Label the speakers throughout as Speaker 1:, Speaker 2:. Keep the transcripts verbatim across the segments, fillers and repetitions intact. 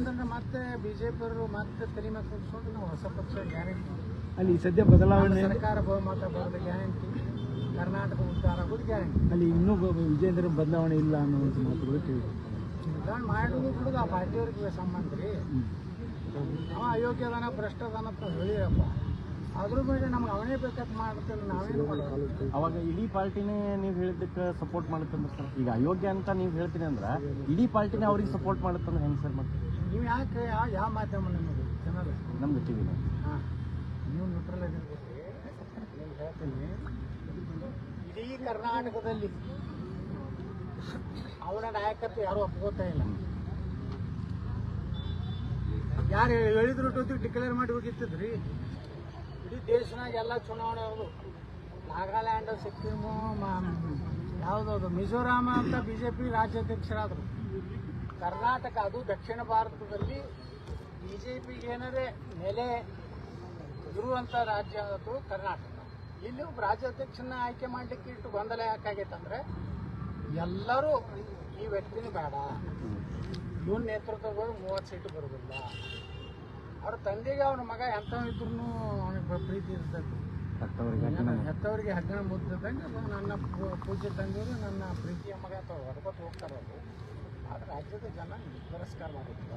Speaker 1: ಬಂದ್ರೆ ಮತ್ತೆ ಬಿಜೆಪಿ ಅವರು ಮತ್ತೆ ತಲೆ ಮೇಲೆ ಕೂತ್ಕೊಂಡು ನಾವು ಹೊಸ ಪಕ್ಷ ಗ್ಯಾರಂಟಿ
Speaker 2: ಅಲ್ಲಿ ಸದ್ಯ ಬದಲಾವಣೆ
Speaker 1: ಸರ್ಕಾರ ಬಹುಮತ ಬರೋದು ಗ್ಯಾರಂಟಿ, ಕರ್ನಾಟಕ ಉದ್ಧಾರ ಆಗೋದು ಗ್ಯಾರಂಟಿ.
Speaker 2: ಅಲ್ಲಿ ಇನ್ನೂ ವಿಜೇಂದ್ರ ಬದಲಾವಣೆ ಇಲ್ಲ ಅನ್ನುವಂಥ ಮಾತುಗಳು ಕೇಳಿ
Speaker 1: ಬದಲಾವಣೆ ಮಾಡೋದು ಬಿಡೋದು ಆ ಪಾರ್ಟಿಯವ್ರಿಗೆ ಸಂಬಂಧ ರೀ. ಅವ ಅಯೋಗ್ಯದಾನ ಭ್ರಷ್ಟದಾನ ಅಂತ ಹೇಳಿರಪ್ಪ, ಅದ್ರ ಮೇಲೆ ನಮ್ಗೆ ಅವನೇ ಬೇಕಂತ ಮಾಡ್ತೇನೆ, ನಾವೇನು ಮಾಡೋದು?
Speaker 3: ಅವಾಗ ಇಡೀ ಪಾರ್ಟಿನೇ ನೀವು ಹೇಳಿದ್ದಕ್ಕೆ ಸಪೋರ್ಟ್ ಮಾಡುತ್ತಂದ್ರೆ ಸರ್, ಈಗ ಅಯೋಗ್ಯ ಅಂತ ನೀವು ಹೇಳ್ತೀನಿ ಅಂದ್ರೆ ಇಡೀ ಪಾರ್ಟಿನೇ ಅವ್ರಿಗೆ ಸಪೋರ್ಟ್ ಮಾಡುತ್ತಂದ್ರೆ ಹೆಂಗೆ ಸರ್? ಮತ್ತೆ
Speaker 1: ನೀವು ಯಾಕೆ ಯಾವ ಯಾವ ಮಾಧ್ಯಮ ನಿಮಗೆ ಜನರು
Speaker 3: ನಮ್ದು ಟಿ ವಿನ
Speaker 1: ಹಾಂ ನೀವು ನ್ಯೂಟ್ರಲ್ ಆಗಿರ್ಬೇಕು. నేను ಹೇಳ್ತೀನಿ, ಇಡೀ ಕರ್ನಾಟಕದಲ್ಲಿ ಅವರ ನಾಯಕತ್ವ ಯಾರು ಒಪ್ಕೋತಾ ಇಲ್ಲ. ಯಾರು ಹೇಳಿದ್ರು ಟೊತ್ತಿಗೆ ಡಿಕ್ಲೇರ್ ಮಾಡಿ ಹೋಗಿತ್ತಿದ್ರಿ. ಇಡೀ ದೇಶನಾಗ ಎಲ್ಲ ಚುನಾವಣೆ ಅವರು ನಾಗಾಲ್ಯಾಂಡ್, ಸಿಕ್ಕಿಮು, ಯಾವುದದು ಮಿಜೋರಾಮ ಅಂತ ಬಿ ಜೆ ಪಿ ರಾಜ್ಯಾಧ್ಯಕ್ಷರಾದರು. ಕರ್ನಾಟಕ, ಅದು ದಕ್ಷಿಣ ಭಾರತದಲ್ಲಿ ಬಿ ಜೆ ಪಿಗೆ ಏನಾರೇ ನೆಲೆ ಇರುವಂಥ ರಾಜ್ಯ ಅದು ಕರ್ನಾಟಕ. ಇಲ್ಲಿ ಒಬ್ಬ ರಾಜ್ಯಾಧ್ಯಕ್ಷನ ಆಯ್ಕೆ ಮಾಡಲಿಕ್ಕೆ ಇಟ್ಟು ಗೊಂದಲ ಯಾಕಾಗೈತಂದ್ರೆ ಎಲ್ಲರೂ ಈ ವ್ಯಕ್ತಿನೂ ಬೇಡ, ಇವನ್ ನೇತೃತ್ವಗಳು ಮೂವತ್ತು ಸೀಟು ಬರೋದಿಲ್ಲ. ಅವ್ರ ತಂದೆಗೆ ಅವನ ಮಗ ಎಂಥವಿದ್ರು ಅವನಿಗೆ ಪ್ರೀತಿ ಇರ್ತದೆ. ಹೆತ್ತವರಿಗೆ ಹಗ್ಗಣ ಮುದ್ದಂಗೆ ನನ್ನ ಪೂಜೆ ತಂದೆಯವರು ನನ್ನ ಪ್ರೀತಿಯ ಮಗ ಅಥವಾ ಹೊರಬತ್ತು ಹೋಗ್ತಾರೆ. ಅವರು ಆದ್ರೆ ರಾಜ್ಯದ ಜನ ತಿರಸ್ಕಾರ ಮಾಡುತ್ತಿದ್ದಾರೆ.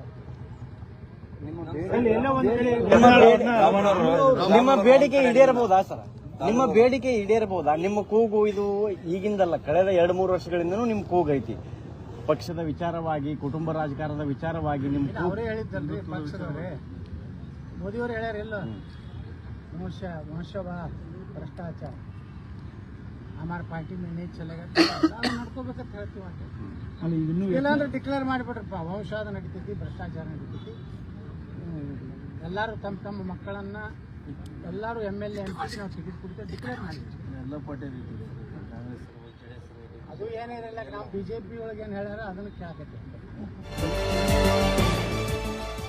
Speaker 3: ನಿಮ್ಮ ಬೇಡಿಕೆ ಈಡೇರಬಹುದಾ ಸರ್? ನಿಮ್ಮ ಬೇಡಿಕೆ ಈಡೇರಬಹುದಾ? ನಿಮ್ಮ ಕೂಗು ಇದು ಈಗಿಂದಲ್ಲ, ಕಳೆದ ಎರಡು ಮೂರು ವರ್ಷಗಳಿಂದನೂ ನಿಮ್ಮ ಕೂಗು ಐತಿ. ಪಕ್ಷದ ವಿಚಾರವಾಗಿ, ಕುಟುಂಬ ರಾಜಕಾರಣದ ವಿಚಾರವಾಗಿ ನಿಮ್ಮ
Speaker 1: ಅವರೇ ಹೇಳಿದ್ದಲ್ರಿ, ಪಕ್ಷದವರೇ ಮೋದಿಯವರು ಹೇಳ್ಯಾರ ಇಲ್ಲ, ವಂಶ ವಂಶವ ಭ್ರಷ್ಟಾಚಾರ ಹಮಾರ ಪಾರ್ಟಿ ಮೇಲೆ ನೀರು ಚಲೆಗ ನಾವು ನಡ್ಕೋಬೇಕಂತ ಹೇಳ್ತೀವಿ.
Speaker 2: ಅಲ್ಲಿ ಇನ್ನೂ
Speaker 1: ಇಲ್ಲಾಂದ್ರೆ ಡಿಕ್ಲೇರ್ ಮಾಡಿಬಿಟ್ರಪ್ಪ, ವಂಶವಾದ ನಡೀತೈತಿ, ಭ್ರಷ್ಟಾಚಾರ ನಡೀತೈತಿ. ಎಲ್ಲರೂ ತಮ್ಮ ತಮ್ಮ ಮಕ್ಕಳನ್ನ ಎಲ್ಲರೂ M L A M P ನಾವು ಟಿಕೆಟ್ ಕೊಡ್ತೇವೆ ಡಿಕ್ಲೇರ್ ಮಾಡಿದ್ವಿ.
Speaker 2: ಎಲ್ಲ ಪಾರ್ಟಿ
Speaker 1: ಅದು ಏನಿರಲ್ಲ, ನಾವು ಬಿ ಜೆ ಪಿ ಒಳಗೆ ಏನು ಹೇಳ್ಯಾರ ಅದನ್ನು ಕೇಳಕತ್ತೀವಿ.